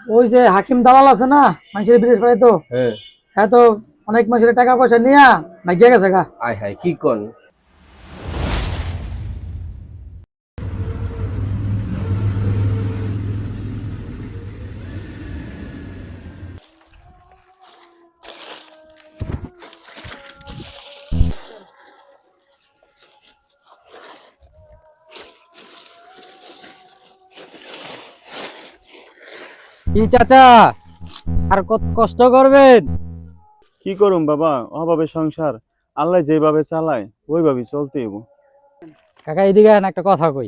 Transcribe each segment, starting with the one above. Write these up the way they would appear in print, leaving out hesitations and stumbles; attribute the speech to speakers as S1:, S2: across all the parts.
S1: ওই যে হাকিম দালাল আছে না, মানুষের বিদেশ পাঠাইতো।
S2: হ্যাঁ।
S1: হ্যাঁ, তো অনেক মানুষের টাকা পয়সা নিয়া ভাগ্যে গেছে গা।
S2: আয় হায় কি কোন?
S3: কি চাচা, আর কত কষ্ট করবেন?
S4: কি করুম বাবা, অভাবে সংসার। আল্লাহ যেভাবে চালায় ওইভাবে চলতে হইব।
S3: কাকা এদিকে আন, একটা কথা কই।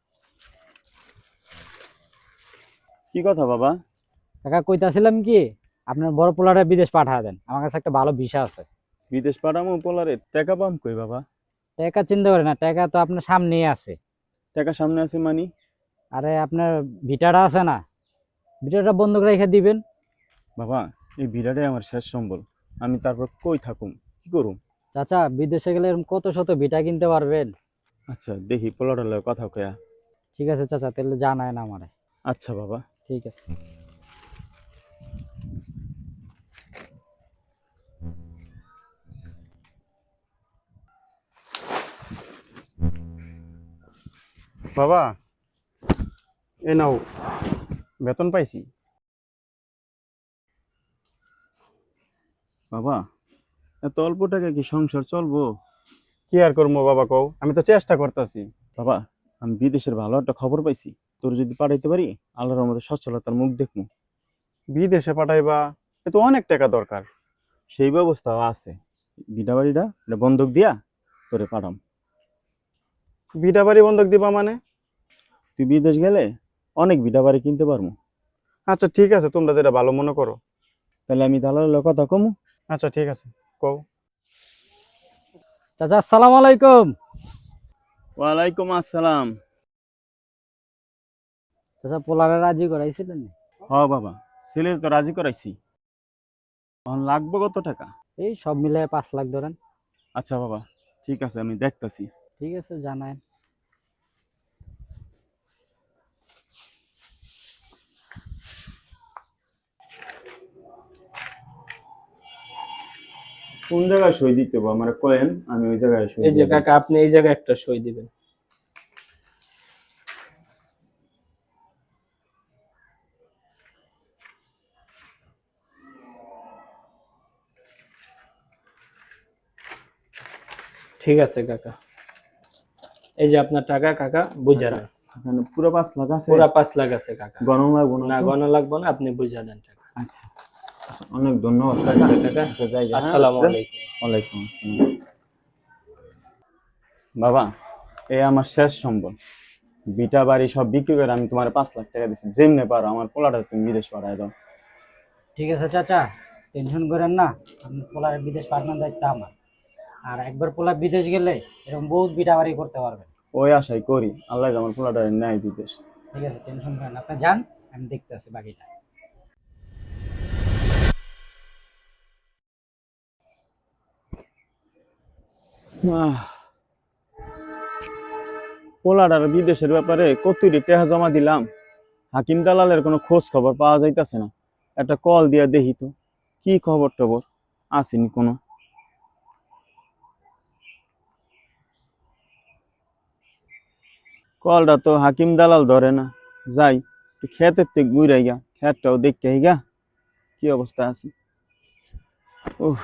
S4: কি কথা বাবা?
S3: কাকা কইতাছিলাম কি, আপনার বড় পোলাটা বিদেশ পাঠায় দেন, আমার কাছে একটা ভালো ভিসা আছে।
S4: বিদেশ পাঠামো পোলারে, টাকা পাম কই বাবা?
S3: টাকা চিন্তা করেন না, টাকা তো আপনার সামনেই আছে।
S4: টাকা সামনে আছে মানি?
S3: আরে আপনার ভিটাটা আছে না, ভিটাটা বন্ধক রেখে দিবেন।
S4: বাবা, এই ভিড়াটাই আমার শেষ সম্বল। আমি তারপর কই থাকুম, কি করুম?
S3: চাচা বিদেশে গেলে এরকম কত শত ভিটা কিনতে পারবেন।
S4: আচ্ছা দেখি পোলাটার লগে কথা কয়া।
S3: ঠিক আছে চাচা, তাহলে জানায় না আমারে।
S4: আচ্ছা বাবা।
S3: ঠিক আছে।
S4: বাবা, এ নাও, বেতন পাইছি। বাবা, এত অল্প টাকা কি সংসার চলবো? কি আর করবো বাবা কও, আমি তো চেষ্টা করতেছি। বাবা, আমি বিদেশের ভালো একটা খবর পাইছি। তোর যদি পাঠাইতে পারি, আল্লাহর রহমতে সচ্ছলতার মুখ দেখবো। বিদেশে পাঠাইবা, এ তো অনেক টাকা দরকার। সেই ব্যবস্থাও আছে। বিটা বাড়িটা এটা বন্ধক দিয়া তোরে পাঠাম। বিটা বাড়ি বন্ধক দিবা মানে? তুই বিদেশ গেলে অনেক বিটা বাড়ি কিনতে পারবো। আচ্ছা ঠিক আছে, তোমরা যেটা ভালো মনে করো। তাহলে আমি দালালের কথা কমু। আচ্ছা ঠিক আছে, কও।
S3: চাচা আসসালামু আলাইকুম।
S4: ওয়ালাইকুম আসসালাম।
S3: চাচা পোলারে রাজি করাইছিলেন?
S4: হ বাবা, ছেলে তো রাজি করাইছি। এখন লাগবে কত টাকা?
S3: এই সব মিলে 5 লাখ ধরেন।
S4: আচ্ছা বাবা, ঠিক আছে, আমি দেখতাছি।
S3: ঠিক আছে, জানায়।
S4: কোন জায়গায় সই দিতে হবে আমার কয়েন, আমি ওই জায়গায় সই
S5: এই যে
S4: দিয়ে দেব।
S5: কাকা, আপনি এই জায়গায় একটা সই দিবেন। ঠিক আছে কাকা, এই যে আপনার টাকা কাকা, বুঝা দেন।
S4: এখানে পুরো 5 লাখ আছে?
S5: পুরা 5 লাখ আছে কাকা।
S4: গণনা লাগবো না
S5: না
S4: তো?
S5: গণনা লাগবে না, আপনি বুঝা দেন টাকা।
S4: আচ্ছা, অনেক ধন্যবাদ কাকা।
S5: আচ্ছা কাকা,
S4: আচ্ছা, যাই গে, হ্যাঁ?
S5: আসসালামু
S4: আচ্ছা।
S5: আলাইকুম।
S4: ওয়ালাইকুম আসসালাম। বাবা, এই আমার শেষ সম্বল। বিটা বাড়ি সব বিক্রি করে আমি তোমার 5 লাখ টাকা দিচ্ছি। যেমনে পারো আমার পোলাটা তুমি বিদেশ পাঠায় দাও।
S3: ঠিক আছে চাচা, টেনশন করেন না, আপনার পোলার বিদেশ পাঠানোর দায়িত্ব আমার। আর একবার পোলা বিদেশ গেলে এরকম বহুত বিটাবাড়ি করতে পারবেন।
S4: ওই আশাই করি, আল্লাহ আমার পোলাটা নেয় বিদেশ।
S3: ঠিক আছে, টেনশন করেন না, আপনি যান, আমি দেখতে আছি বাকিটা।
S4: পোলাটার বিদেশের ব্যাপারে কতটি টাকা জমা দিলাম, হাকিম দালালের কোনো খোঁজ খবর পাওয়া যাইতাছে না। একটা কল দিয়া দেখি তো, কি খবর টবর আসেনি কোনো। কলটা তো হাকিম দালাল ধরে না। যাই একটু ক্ষেতের থেকে ঘুরাই গা, ক্ষেতটাও দেখে গা কি অবস্থা আছে। উফ,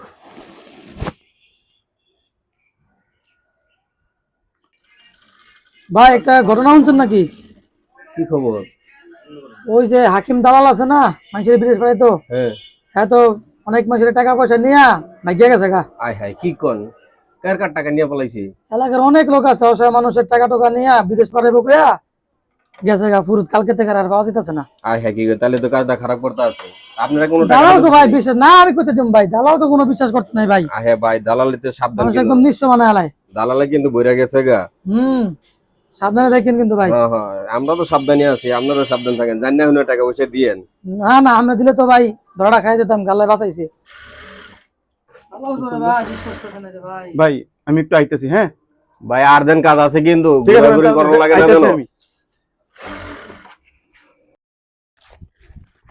S1: ভাই, একটা ঘটনা শুনছেন নাকি?
S2: কি খবর?
S1: ওই যে হাকিম দালাল আছে না, মানুষের বিদেশ পাঠাইতো।
S2: হ্যাঁ।
S1: হ্যাঁ, তো অনেক মানুষের টাকা পয়সা নিয়া ভাগ্যে গেছে গা।
S2: আয় হায় কি কোন? কার কার টাকা নিয়ে পলাইছি?
S1: এলাকার অনেক লোক আছে, অসহায় মানুষের টাকা টোকা নিয়া বিদেশ পাঠাইবো কইয়া গেছে গা। ফুরুত কালকে থেকে আর পাওয়া যাইতেছে না।
S2: আয় হায় কি গো, তাহলে তো কাজটা খারাপ করতে আছে। আপনারা কোনো টাকা
S1: দালাল
S2: দিতে
S1: কো ভাই
S2: পারেনি?
S1: বিশ্বাস না, আমি কইতে দিম ভাই, দালাল কো কোনো বিশ্বাস করতে নাই ভাই।
S2: আয় হায় ভাই, দালালি তো সাবধান
S1: মানুষ
S2: কিন্তু।
S1: একদম নিঃস্ব মানে আলাই।
S2: দালালে কিন্তু বইরা গেছে গা।
S1: সাবধানে দেখেন কিন্তু ভাই।
S2: হ্যাঁ হ্যাঁ, আমরা তো সাবধানে আছি, আপনারা সাবধান থাকেন। জানি না টাকা পয়সা দিয়েন।
S1: না না, আমরা দিলে তো ভাই ধরাটা খাই যেতাম, গাল্লায় বাঁচাইছে। দালাল করে ভাই, বিশ্বাস করতে নাই রে ভাই।
S4: ভাই আমি একটু আইতেছি, হ্যাঁ?
S2: ভাই আর দেন কাজ আছে কিন্তু,
S4: ঠিক আছে,
S2: ঘোরাঘুরি করার লাগে না
S4: আইতেছি
S2: যেন।
S4: আমি।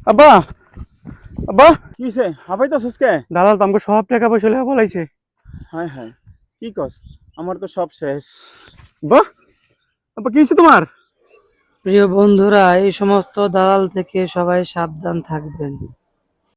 S4: আব্বা আব্বা কিছে হাবাই তো সুস্কে দালাল তো আমাকে সব টাকা পয়সা লেখা বলাইছে। হায় হায় কি কস, আমার তো সব শেষ। বাহ আব্বা কি হইছে তোমার?
S1: প্রিয় বন্ধুরা, এই সমস্ত দালাল থেকে সবাই সাবধান থাকবেন।